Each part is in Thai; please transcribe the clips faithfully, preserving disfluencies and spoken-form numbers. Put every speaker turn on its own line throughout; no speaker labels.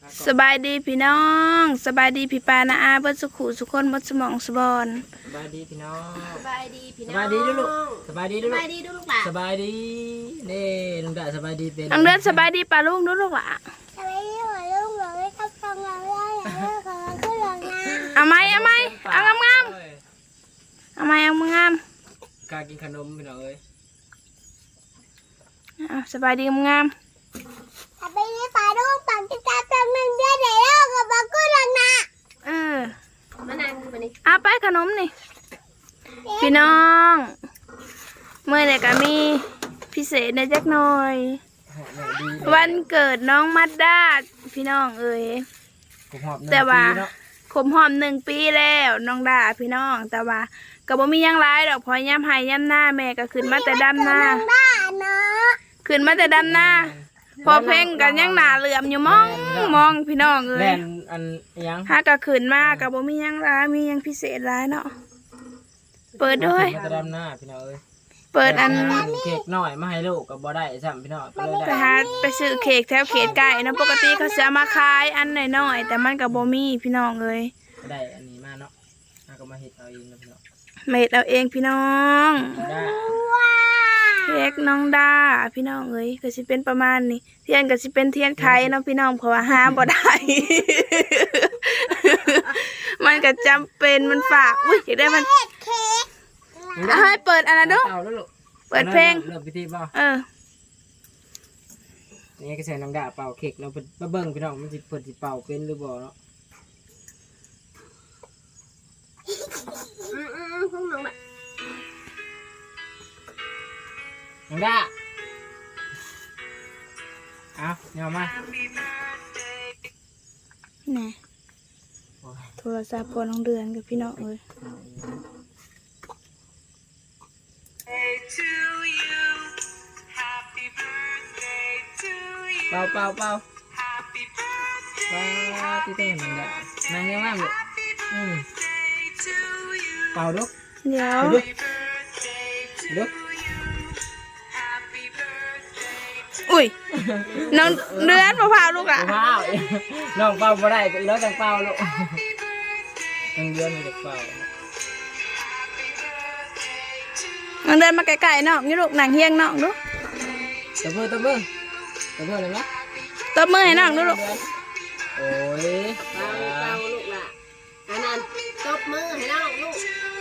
สบายดีพี่น้องสบายดีพี่ปานาอาเบิดสุขุสุคนบดสมองสบอน
สบายดีพี่น้อง
สบายดีพี่น้อง
สบายดีลูกสบายดีลูก
สบายดีลูกหลาน
สบายดีนี่ลุงดาสบายดีเป็น
น้องเดือนสบายดีปลาลูกนู้ลูกหล่ะ
สบายดีหัวลูกหลานไม่ทับทองเราได้อย่างนี้ขอขึ้นหลังนะ
เอาไหมเอาไหมเอางามงามเอาไหมเอางาม
กากินขนมพี่น้องเอ้ย
เอาสบายดีงาม
สบายดีปลาลูกปังกินตาตำหนึ่งเดือนไหนแล้วก็บอกขึ้นหลังนะ
เออ
มานั่งมานี่
เอาไปขนมนี่พี่น้องเมื่อไหร่ก็มีพิเศษในจักหน่อย วันเกิดน้องมัดดาพี่น้องเอ้ยแต่ว่าขมหอมหนึ่งปีแล้วน้องดาพี่น้องแต่ว่าก็บ่มียังร้ายดอกพอย่ำไห้ย่ำหน้าแม่ก็ขึ้นมาแต่ดำหน้าขึ้นมาแต่ดำหน้าพอเพ่งกันยังหนาเหลื่อมอยู่มองมองพี่น้องเอ้ย
อันยัง
ถ้าก็ขึ้นมาก็บ่มียังร้ายมียังพิเศษร้ายเนาะเปิดด้วย
แต่ดำหน้าพี่น้องเอ้ย
เปิดอัน
เค้กหน่อยมาให้ลูกกับบ่ได้ซ้ำพี่น้อง
ไปหาไปซื้อเค้กแถวเขตไก่นะปกติเขาจะมาขายอันน้อยๆแต่มันกับโบมี่พี่น้องเลย
ได้อันนี้มาเนาะแล้วก็มาเฮ็ดเอาเองนะพี่น้อง
เม็ดเอาเองพี่น้องเค้กน้องดาพี่น้องเอ้ยก็สิเป็นประมาณนี้เทียนก็สิเป็นเทียนไข่เนาะพี่น้องเพราะว่าหาบ่ได้ มันก็จำเป็นมันฝากอุ้ยอยากได้มันให้เปิดอันนั้นดูเปิดเพลง
เริ่มพิธีป่ะ
เออ
นี่ก็ใส่น้ำดาเป่าเค้กเราไปเบิ่งพี่น้องมันสิเปิดสิเป่าเป็นหรือบ่เนาะ
อืมอืมพวกน้องแบบ
น้ำดาเอาเนี่ยมา
นี่โทรศัพท์พอน้องเดือนกับพี่น้องเลย
เป่าเป่าเป่าว้าที่เต้นมันได้นั่งเงี้ยมากเลยอืมเป่าลูก
เดี๋ยว
ลูก
อุ้ยน้องเดือนมะพร้าวลูกอ่ะ
มะพร้าวน้องเป่าบ่ได้ก็อีน้อยจังเป่าลูกน้องเดือนมันจะเป่า
น้องเดือนมาไกลๆน้องนี่ลูกหนังเฮียงน้องดู
ตบมือตบมือตบมือเลยไหม
ตบมือให้น้องดูลูก
โอ้ย
เป่าเป่าลูกล่ะอันนั้นตบมือให้น้องลูก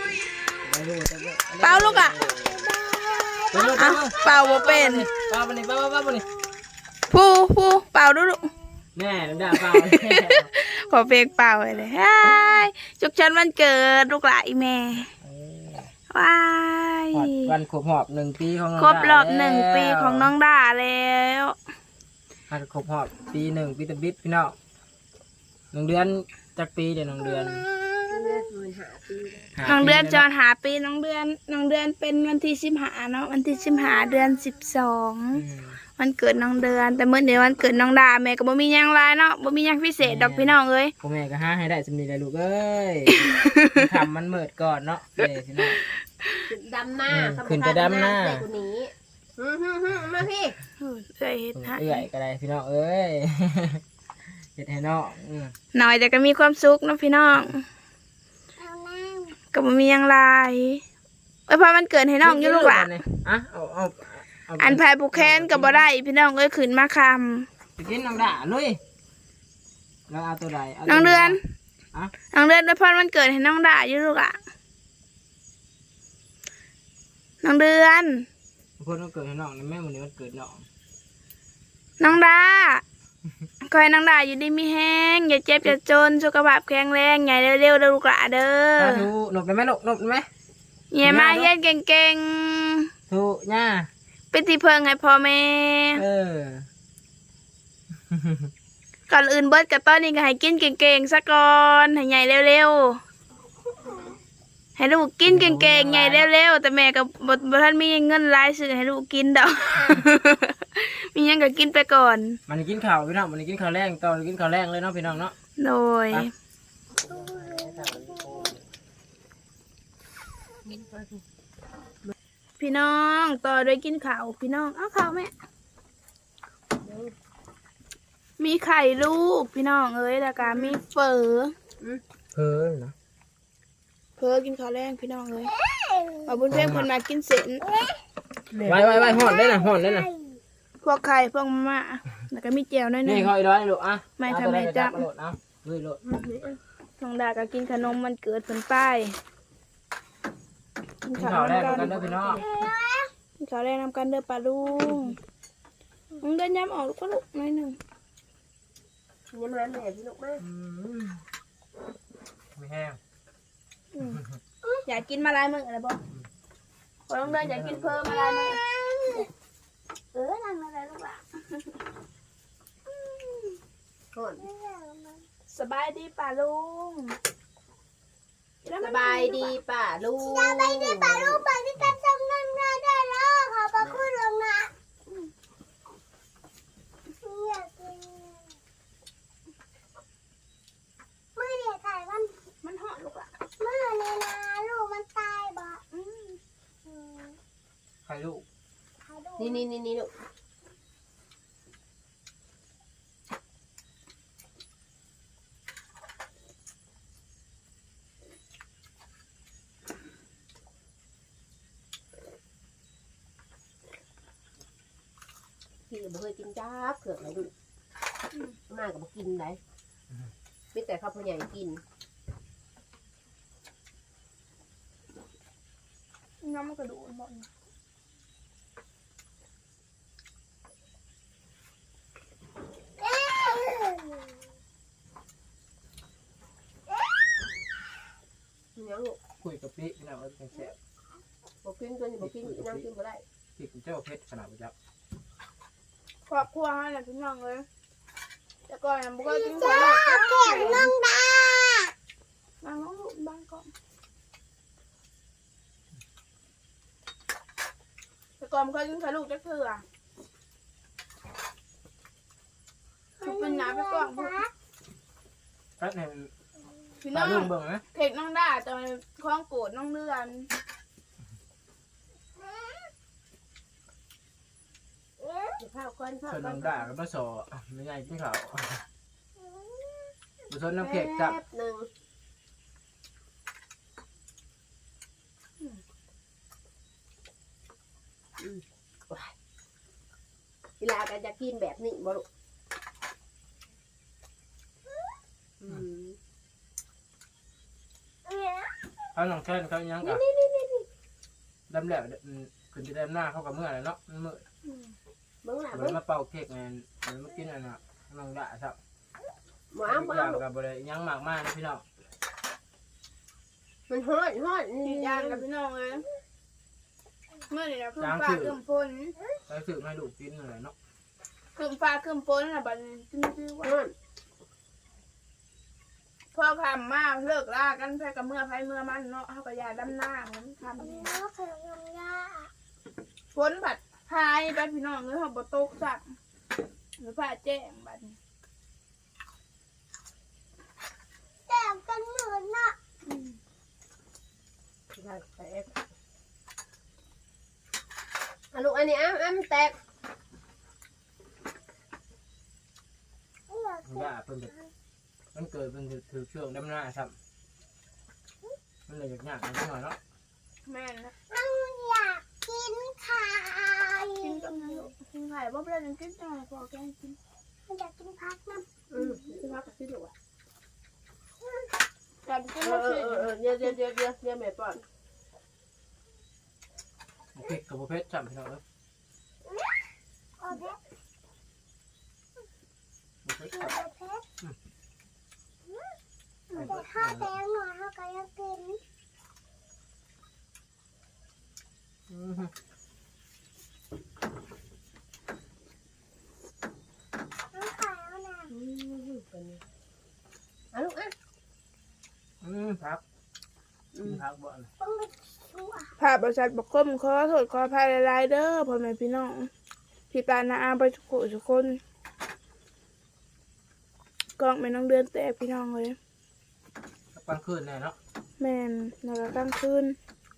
เป่าลูกอ่ะอ่ะเป่าบ่เป็น
เป่าไปนี่เป่าเป่าไปนี่
ผู้ผู้เป่าดูลูก
แม่น้ำดาเป่า
ขอเพลงเป่าเลยฮายจุกชันวันเกิดลูกหลานแม่ว้าย
วันครบรอบหนึ่งปีของ
ครบรอบหนึ่งปีของน้องดาแล้ว
วันครบรอบปีหนึ่งปีตะบิดพี่น้องหนึ่งเดือนจากปีเดี๋ยวหนึ่งเดือน
น้องเดือนจอนหาปีน้องเดือนน้องเดือนเป็นวันที่สิบห้าเนาะวันที่สิบห้าเดือนสิบสองวันเกิดน้องเดือนแต่เมื่อเดือนวันเกิดน้องดาแม่ก็บ่มียังไรเนาะบ่มียังพิเศษดอกพี่น้องเอ้ย
พ่อแม่ก็หาให้ได้สำนีเลยลูกเอ้ยทำมันเมิดก่อนเนาะเดี๋ยวพี่น้อง
ดำหน้า
ขึ้นจะดำหน้า
มาพี่
เอ้ยเฮ็ดให้
เอ้ยก็ได้พี่น้องเอ้ยเฮ็ดให้น้อง
หน่อยแต่ก็มีความสุขเนาะพี่น้องก็บ่มียังไรเอ้ยพอมันเกิดให้น้องอยู่ลูกหล่ะ
อ่ะเอาเอา
อันแพรผูกแขนก็บ่ได้พี่น้องเอ้ยขึ้นมาคำ
ไปกินน้องด่าเลยแล้วเอาตัวใด
น้องเดือนน้องเดือนด้วยพอมันเกิดให้น้องด่าอยู่ลูกอ่ะน้องเดือน
คนมันเกิดให้น้องแม่วันนี้มันเกิดน้อง
น้องดาคอยน้องดาอยู่ดีมีแห้งอย่าเจ็บอย่าจนสุขภาพแข็งแรงใหญ่เร็วๆลูกหล่ะเด้อ
ถูกหนุบได้ไหมหนุบหนุบได้ไหม
เยี่ยมาเฮ็ดเก่ง
ๆถูกย่า
เป็นที่เพิงให้พ่อแม่
เออ
ก่อนอื่นเบิดกับต้นนี้ก็ให้กินเก่งๆซะก่อนให้ใหญ่เร็วๆให้ลูกกินเก่งๆใหญ่เร็วๆแต่แม่ก็บ่บ่ทันมีเงินรายซื้อให้ลูกกินดอก มียังก็กินไปก่อน
มันกินข้าวพี่น้องมันกินข้าวแรงตอนกินข้าวแรงเลยเนาะพี่น้องเนาะ
โดยพี่น้องต่อด้วยกินข้าวพี่น้องเอาข้าวแม่มีไข่ลูกพี่น้องเอ้ยแล้วก็มีเฟอ
เพ้อนะ
เฟอกินข้าวแรงพี่น้องเอ้ยเอาบุญเพ่งคนมากินเสร็จ
ไว้ไว้ไว้ห่อนได้นะห่อนได้นะ
พวกไข่พวกมะม่าแล้วก็มีแจวหน้อยหนึ
นี่
ง
เขาอีร้อยลูกอ่ะ
ไม่ทำให้จับ
โหลดเอาเฮ้ยโหลด
ทองดาก็กินขนมมันเกิดเป็นป้ายกิน
กิน
ข้า
ข้าว วแรก
นำ
กั
กัน น
เด้อพี่น้อง
กินข้าวแรงนำกันเด้อปลาลุงมึงเดินย้ำออกลูกก็ลูกหน้อยหนึ่ง
ยังมาแม่พี่ลูกมา
อืมไม่แห้ง
อืมอยากกินมาลายมึงอะไรบ่พอต้องเดินอยากกินเพิ่มมาลายมึงเออนั่งอะไรลูกล่ะ
ก่อน
สบายดีป่าลุง
สบายดีป่าลูก
สบายดีป่าลูกป่าที่ตัดทำนั่นได้แล้วขอบพระคุณลงนะอยากกินมือเดียวถ่ายมัน
มันเหาะลูกล่ะ
มือเนี่ยนะลูกมันตายบ่
อืม
อืม
ใครลูก
ถ่ายดู
นี่นี่นี่นี่ลูกพี่ก็บ่เคยกินจ้าเขือกเลยลูกมาก็บ่กินไหนมีแต่ข้าวผู้ใหญ่กิน
น้ำมันกระดูกหมด
เอ้ย
ยังลูก
คุยกับพี่พี่น้องว่าเป็นแซ่บ
บ่กินตัวนี้บ่กินนั่งกินบ่ได้
พี่เป็นเจ้าเพชรขนาดประจับ
ครอบครัวให้แหละพี่น้องเลยแต่ก่อนยังบ่เคยกินข้า
จ้าว
แรง
เก่งน้องดา
นั่งน้องลูกบ้านก่อนแต่ก่อนบ่เคยกินข้าวลูกจักเทื่อทุกเป็นน้ำไปก่อนพวก
แป๊บหนึง
พี่
ตา
น้อง
ลุงเบิ่งนะ
เค้กน้องด่าตอนคล้องโกรธน้องเดือน
ข้าวก้อนข้าว
ส่วน
ก้อ
น้
น
องด่าก็มาสอไม่ใหญ่กินข้าวบุษนน้ำเค้กจับ
แป๊บหนึ่งอืมว้ายเวลากันจะกินแบบนี้บ่ลูกอืม
เขาน้องแค่นเขายังกับดำแหลกขึ้นจะดำหน้าเขากับเมื่อไรเนาะเมื่อ
เบิ่งหล่ะ
เหมื
เบิ่
อน
ง
มาเป่าเค้กไงเหมือนมากินอันน่ะน้องด่าครับ
หมอเอาหมอ
อยา
เอา
ก
ลูก
กับบริยังมากมากนะพี่น้อง
มันฮ้อนฮ้อน
กินยางกับพี่น้องเลยเมื่อนี่นะคืมฟ้าคืมฝน
ไปซื้อมาให้ลูกกินอะไรเนาะ
คืมฟ้าคืมฝนน่ะบัดนี้จึงชื่อว่า
ฮ้อน
พ่อคำมาเลิกลากันแพ้กับเมื่อไผเมื่อมันเนาะเฮาก็ยาดำหน้าผมคำนี้
น้องเคยลงยา
ฝนผัดพายไปพี่น้องเอ้ยเฮาบ่ตกสักหรือผ้าแจ้งบัดนี้
แต่กันเหมือนน่ะ
อืม
ได้แตกอ่ะลูกอันนี้อ้ำอ้ำแตก
อยาก
ย่าเพิ่นจะมันเกิดเพิ่นจะถือช่วงดำหน้าครับมันเลยยากๆนิดหน่อยเนาะ
แม่นนะ
น้องอยากกินไข่
กินกับน้ำลูกกินไข่บ่เป็นไรกินจังได๋พอแกงกิน
อยากกินพักน้
อืมที่พักกับที่ลูกอ่ะ
แต่กิน
เอ
บ่
อเอ
สิ
อเออเดี๋ยวเดี๋ยวเดี๋ยวเดี๋ยวเดี๋ยวแม่ป้อน
เค้กกับบุฟเฟ่ต์จับพี่น้องเอ้ย
ำโอเค
บุฟเฟ่ต์
โอ
จับ
เคแต่ข้าวแดงหน่อยเขาก็อยากกิน
อือฮึ
น้องไข่เอาหน่ะ
อืมเป็นไงอ่ะลูกอ่ะ
อืมพักอืมพักบ่อน
ต้องไปชัว
ภาพบริษัทบกคมขอโทษขออภัยหลายๆเด้อพ่อแม่พี่น้องพี่ปานาอาไปทุกคนทุกคนกล้องแม่น้องเดือนแตกพี่น้องเลย
กลางคืนแน่เนาะ
แม่นแล้วก็กลางคืน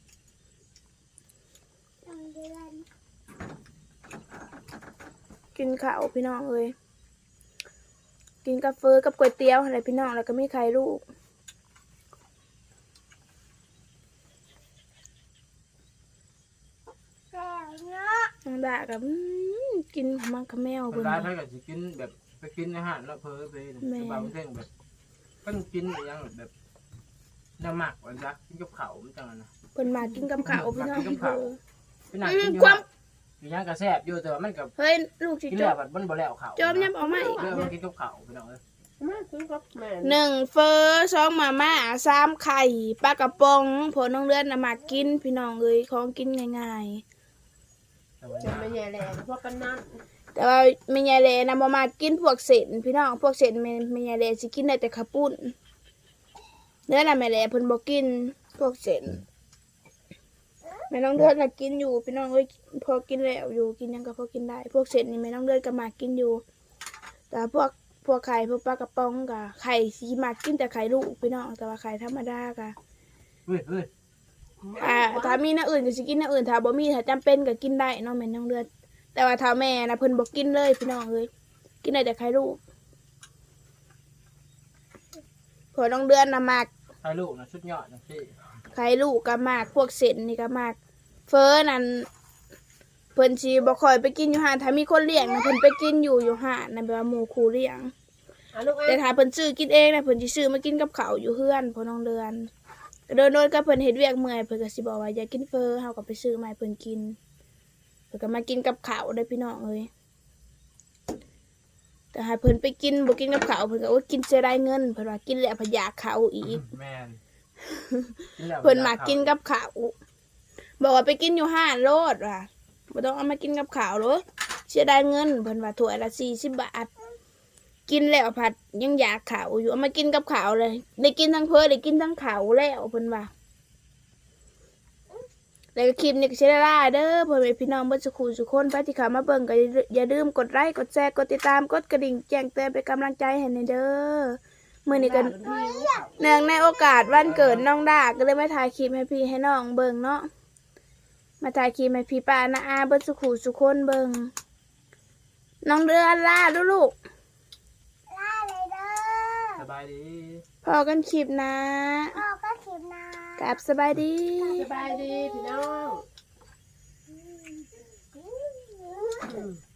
น้องเดือน
กินข้าวพี่น้องเลยกินกาแฟกับก๋วยเตี๋ยวอะไรพี่น้องแล้วก็มีไข่ลูก
แล้วเนาะ
น้องดากับอื้อกินมังคะแมว
ค
เพิ่
น
น
ร้ายถ้าเกิดจะกินแบบไปกินอาหารแล้วเพอไปสบายเส้นแบบก็กินอย่างแบบน้ำหมักวันจักกินกับเขามันจังนะ
เพิ่นมากินกับข้าวพี่น้อง
กินกับข้าว เป็นหนังกินอยู่อยู่ย่างกระแซบอยู่แต่ว่ามันกับ
เฮ้ยลูกสิ
กิน
จ
แล้ว
บ
แบบมันบ่แล้วเขา
จบยับออกมาอีก
เรื่องมันกินกับเขาพี่น้องเอ้ย
มาซื้อกับแม่
หนึ่งเฟอสองมาม่าสามไข่ปลากระป๋องผลน้องเลือนน่ะมากินพี่น้องเอ้ยของกินง่าย
แต่ว่า
จะไม่แย่แรงพวกกันนั่น
ๆแต่ว่าแม่ยายแลน่ะบ่มากินพวกเส้นพี่น้องพวกเส้นแม่แม่ยายแลสิกินได้แต่ข้าวปุ้นเนื้อน่ะแม่แลเพิ่นบ่กินพวกเส้นแม่น้องเลือนน่ะกินอยู่พี่น้องเอ้ยพอกินแล้วอยู่กินหยังก็พอกินได้ พวกเส้นนี่แม่น้องเลือนก็มากินอยู่ แต่พวกพวกไข่พวกปลากระป๋องกะไข่สีมากินแต่ไข่ลูกพี่น้องแต่ว่าไข่ธรรมดากะ
เฮ้ยเฮ้ย
อ่าถ้ามีน้าอื่นก็สิกินน้าอื่นถ้าบ่มีถ้าจำเป็นก็กินได้เน้องแม่น้องเลือดแต่ว่าถ้าแม่นะเพิ่นบ่กินเลยพี่น้องเอ้ยกินได้แต่ไข่ลูกพอน้องเดือนน่ะมาก
ไข่ลูกนะชุดยอดนะพี่
ไข่ลูกก็มากพวกเส้นนี่ก็มากเฟอนั่นเพิ่นสิบ่ค่อยไปกินอยู่ห้านถ้ามีคนเลี้ยงนะเพิ่นไปกินอยู่อยู่ห้านนะแบบว่าหมู่คู่เลี้ยง
อ่ะลูก
แต่
เอ้ย
ถ้าเพิ่นซื้อกินเองนะเพิ่นสิซื้อมากินกับข้าวอยู่เฮือนพอน้องเดือนโดนโดนก็เพิ่นเฮ็ดเวียกเมื่อยเพิ่นก็สิบอกว่าอย่ากินเฟอเฮาก็ไปซื้อมาให้เพิ่นกินเพิ่นก็มากินกับข้าวได้อพี่น้องเอ้ยแต่ถ้าเพิ่นไปกินบ่กินกับข้าวเพิ่นก็โอ้ยกินเสียดายเงินเพิ่นว่ากินแล้วพะยากข้าวอีก
แมนกิแล้ว
เพิ่นมากินกับข้าวบอกว่าไปกินอยู่ห้านโลดว่ะบ่ต้องเอามากินกับข้าวหรอกเสียดายเงินเพิ่นว่าถ้วยละสี่สิบบาทกินแล้วผัดยังอยากข้าวอยู่เอามากินกับข้าวเลยได้กินทั้งเพอได้กินทั้งข้าวแล้วเพิ่นว่าแล้วก็คลิปนี้ก็สิได้ลาเด้อพ่อแม่พี่น้องเบิ่สุขุสุคนไปที่เข้ามาเบิ่งก็อย่าลืมกดไลค์กดแชร์กดติดตามกดกระดิ่งแจ้งเตือนเป็นกำลังใจให้ในเด้อมื้อนี้ก็ เนื่องในโอกาสวันเกิดน้องดาก็เลยมาถ่ายคลิปให้พี่ให้น้องเบิ่งเนาะมาถ่ายคลิปให้พี่ป้านาอาเบิ่งสุขุสุคนเบิ่งน้องเดือนล่าลูลูก
ลาเลยเด้อ
สบายดี
พอกันคลิปนะ
พ่อก็เข็มนะ
กลับสบายดี
สบายดีพี่น้อง
อืม
อืม